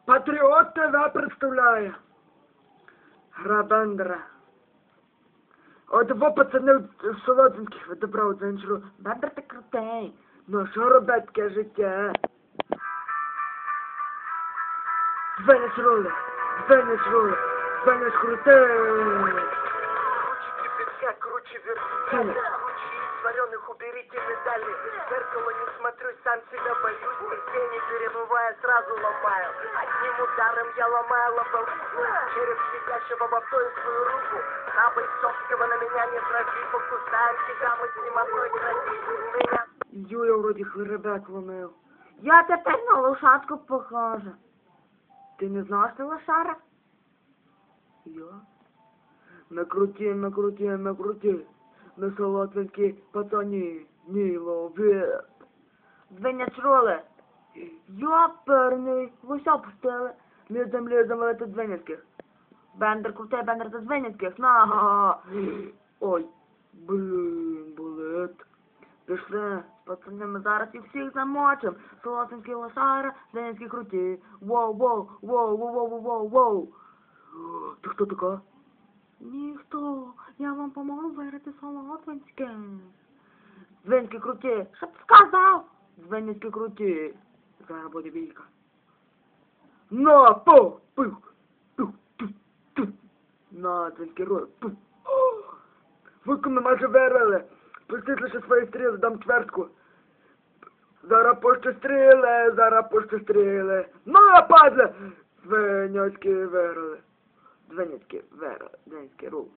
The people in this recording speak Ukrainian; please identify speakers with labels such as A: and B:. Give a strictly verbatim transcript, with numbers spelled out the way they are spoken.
A: Патріот ТВ представляє. Гра Бендера. От во пацани з Солодинських відібрав дзенчру. Бендер ти крутий. Ну що робить таке життя? Звенець рули, звенець рули, звенець крутий.
B: Круче кипятка, круче вертикали, круче из вареных уберите медали. В зеркало не смотрю, сам себя боюсь, нигде не перебывая, сразу ломаю. Одним ударом я ломаю лобовуху, череп сидящего в авто и свою руку. На бойцовского на меня не трави, покусаем тебя, мы с ним одной крови. Меня...
A: Юля вроді хребет ломив.
C: Я тепер на лошадку похожа.
A: Ти не знаєш ти лошара? Я? Накруті, накруті, накруті. На солоденькі пацані, ні ловить.
C: Звенять роли. Йоперний, лося пустили.
A: Лізем, лізем, але тут Звенецьких.
C: Бендер крутий, Бендер за Звенецьких. На.
A: Ой, блін, болить.
C: Пішли, пацани, ми зараз їх всіх замочим. Солоденький лошара, Звенецькі круті. Воу, воу, воу, воу, воу, воу, воу.
A: Ти хто така?
C: Ніхто, я вам поможу виграти Солодвинське. Звенські круті, що ти сказав?
A: Звенецькі круті. Зараз буде бійка. На, по, пух, тух, тух, тух. На, Звенський рой, пух. Ви ми майже виграли. Пустіть лише свої стріли, дам чвертку. Зараз пущу стріли, зараз пущу стріли. На, падле! Звенецькі виграли. Звенецькі виграли, Звенецький рул.